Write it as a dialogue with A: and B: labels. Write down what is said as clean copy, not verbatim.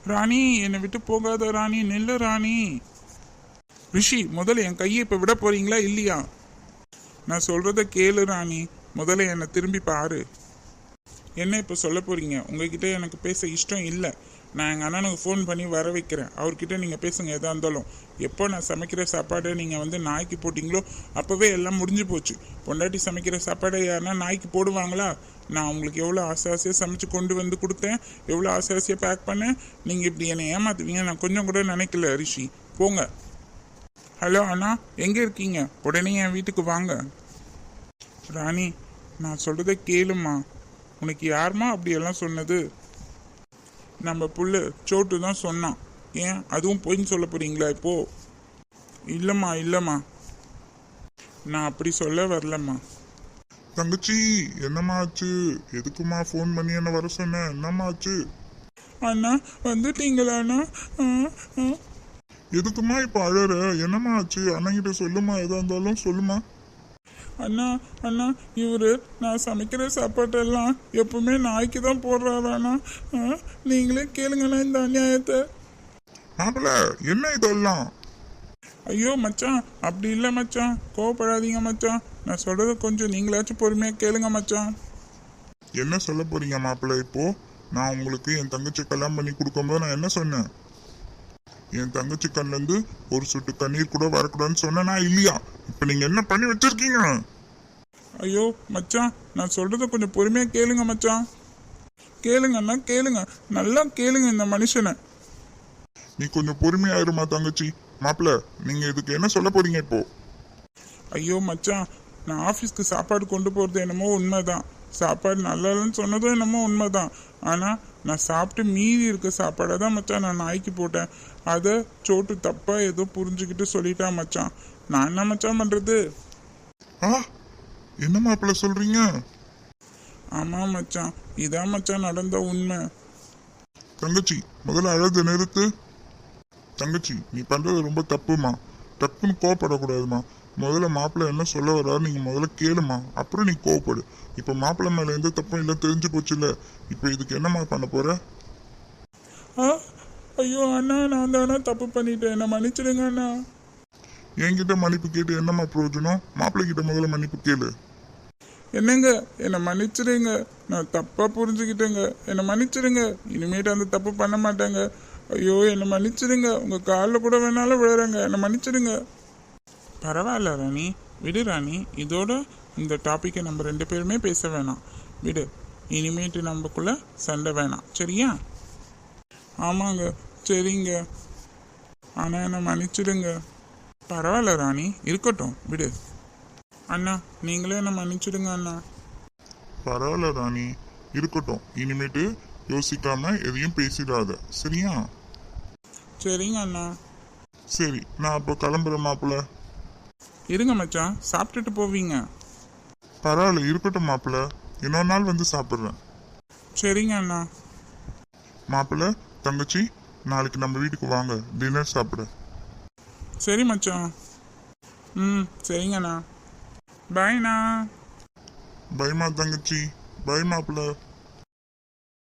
A: ராணி, என்னை விட்டு போகாத ராணி, நில்லு ராணி. ரிஷி, முதல்ல என் கையை இப்போ விட போறீங்களா இல்லையா? நான் சொல்றத கேளு ராணி, முதல்ல என்னை திரும்பி பாரு. என்ன இப்போ சொல்ல போறீங்க? உங்ககிட்ட எனக்கு பேச இஷ்டம் இல்லை. நான் எங்கள் அண்ணனுக்கு ஃபோன் பண்ணி வர வைக்கிறேன். அவர்கிட்ட நீங்கள் பேசுங்க எதாக இருந்தாலும். எப்போ நான் சமைக்கிற சாப்பாடை நீங்கள் வந்து நாய்க்கு போட்டிங்களோ அப்போவே எல்லாம் முடிஞ்சு போச்சு. பொண்டாட்டி சமைக்கிற சாப்பாடை யாருன்னா நாய்க்கு போடுவாங்களா? நான் உங்களுக்கு எவ்வளோ ஆசையாக சமைச்சு கொண்டு வந்து கொடுத்தேன், எவ்வளோ ஆசையாக பேக் பண்ணேன். நீங்கள் இப்படி என்னை ஏமாத்துவீங்க நான் கொஞ்சம் கூட நினைக்கல ரிஷி. போங்க. ஹலோ அண்ணா, எங்கே இருக்கீங்க? உடனே என் வீட்டுக்கு வாங்க. ராணி, நான் சொல்கிறத கேளுமா. உனக்கு யாருமா அப்படியெல்லாம் சொன்னது? நம்ம புள்ள சோட்டு தான் சொன்னான். ஏன் அதுவும் பொய்ன்னு சொல்ல போறீங்களா இப்போ? இல்லைம்மா, நான் அப்படி சொல்ல வரலம்மா.
B: தங்கச்சி, என்னம்மா ஆச்சு? எதுக்குமா ஃபோன் பண்ணி என்ன வர சொன்ன? என்னம்மா ஆச்சு?
A: அண்ணா, வந்துட்டீங்களா அண்ணா?
B: எதுக்குமா இப்போ அழற? என்னம்மா ஆச்சு? அண்ணங்கிட்ட சொல்லுமா, எதா இருந்தாலும் சொல்லுமா.
A: அண்ணா, இவரு நான் சமைக்கிற சாப்பாட்டெல்லாம் எப்பவுமே நாய்க்கு தான் போடுறாராண்ணா. நீங்களே கேளுங்கண்ணா இந்த அநியாயத்தை.
B: மாப்பிள்ள, என்ன இதெல்லாம்?
A: ஐயோ மச்சான், அப்படி இல்லை மச்சான், கோவப்படாதீங்க மச்சான். நான் சொல்றத கொஞ்சம் நீங்களாச்சும் பொறுமையா கேளுங்க மச்சான்.
B: என்ன சொல்ல போறீங்க மாப்பிள்ள? இப்போ நான் உங்களுக்கு என் தங்கச்சி கல்யாணம் பண்ணி கொடுக்கும்போது நான் என்ன சொன்னேன்? என் தங்கச்சி கண்ணுல இருந்து ஒரு சொட்டு கண்ணீர் கூட வரக்கூடாதுன்னு சொன்னா இல்லையா? இப்ப நீங்க என்ன பண்ணி வச்சிருக்கீங்க?
A: ஐயோ மச்சான், நான் சொல்றத கொஞ்சம் பொறுமையா கேளுங்க மச்சான். கேளுங்கண்ணா, கேளுங்க, நல்லா கேளுங்க இந்த மனுஷனை.
B: நீ கொஞ்சம் பொறுமையாயிருமா தங்கச்சி. மாப்பிள்ள, நீங்க இதுக்கு என்ன சொல்ல போறீங்க இப்போ?
A: ஐயோ மச்சான், நான் ஆஃபீஸ்க்கு சாப்பாடு கொண்டு போகிறது என்னமோ உண்மைதான். சாப்பாடு நல்லா இல்லைன்னு சொன்னதும் என்னமோ உண்மைதான். ஆனால் நான் சாப்பிட்டு மீதி இருக்க சாப்பாடை தான் மச்சான் நான் நாய்க்கு போட்டேன். அதை சோட்டு தப்பாக ஏதோ புரிஞ்சுக்கிட்டு சொல்லிட்டான் மச்சான். நான் என்ன மச்சான் பண்ணுறது?
B: என்ன மாப்பிள்ள சொல்றீங்க?
A: ஆமாம் மச்சான், இதான் மச்சான் நடந்த உண்மை.
B: தங்கச்சி, முதல்ல அழகு நிறுத்து. தங்கச்சி, நீ பண்றது ரொம்ப தப்புமா. தப்புன்னு கோவப்படக்கூடாதுமா. முதல்ல மாப்பிள்ளை என்ன சொல்ல வர்றாரு நீங்க முதல்ல கேளுமா, அப்புறம் நீ கோவப்படு. இப்ப மாப்பிள்ளை மேல எந்த தப்பும் இல்லை, தெரிஞ்சு போச்சு இல்ல. இப்ப இதுக்கு என்னமா பண்ண போற?
A: ஐயோ அண்ணா, நான் தானே தப்பு பண்ணிட்டேன், என்ன மன்னிச்சிடுங்க அண்ணா.
B: என்கிட்ட மன்னிப்பு கேட்டு என்னம்மா பிரயோஜனம்? மாப்பிள்ளை கிட்ட முதல்ல மன்னிப்பு கேளு.
A: என்னங்க, என்னை மன்னிச்சிடுங்க, நான் தப்பா புரிஞ்சுக்கிட்டேங்க, என்னை மன்னிச்சிடுங்க. இனிமேட்டு அந்த தப்பு பண்ண மாட்டேங்க. ஐயோ என்னை மன்னிச்சிடுங்க, உங்க காலில் கூட வேணாலும் விழுறேங்க, என்னை மன்னிச்சிடுங்க. பரவாயில்ல ராணி, விடு ராணி. இதோட இந்த டாப்பிக்கை நம்ம 2 பேருமே பேச வேணாம், விடு. இனிமேட்டு நம்மக்குள்ள சண்டை வேணாம், சரியா? ஆமாங்க, சரிங்க. ஆனால் என்னை மன்னிச்சிடுங்க. பரவாயில்ல ராணி, இருக்கட்டும், விடு. அண்ணா, நீங்களே என்ன மன்னிச்சிடுங்க அண்ணா.
B: பரவாயில்ல ராணி, இருக்கட்டும். இனிமேட்டு யோசிக்காம எதையும் பேசிடாத, சரியா?
A: சரிங்க அண்ணா.
B: சரி, நான் அப்போ கிளம்புறேன் மாப்பிள்ள.
A: இருங்க மச்சான், சாப்பிட்டுட்டு போவீங்க.
B: பரவாயில்ல, இருக்கட்டும் மாப்பிள்ள. இன்னொரு நாள் வந்து சாப்பிட்றேன்.
A: சரிங்க அண்ணா.
B: மாப்பிள்ள, தங்கச்சி, நாளைக்கு நம்ம வீட்டுக்கு வாங்க, டின்னர் சாப்பிட.
A: சரி மச்சான். சரிங்கண்ணா. பாய்ண்ணா.
B: பைமா தங்கச்சி, பை மாப்பிள்ள.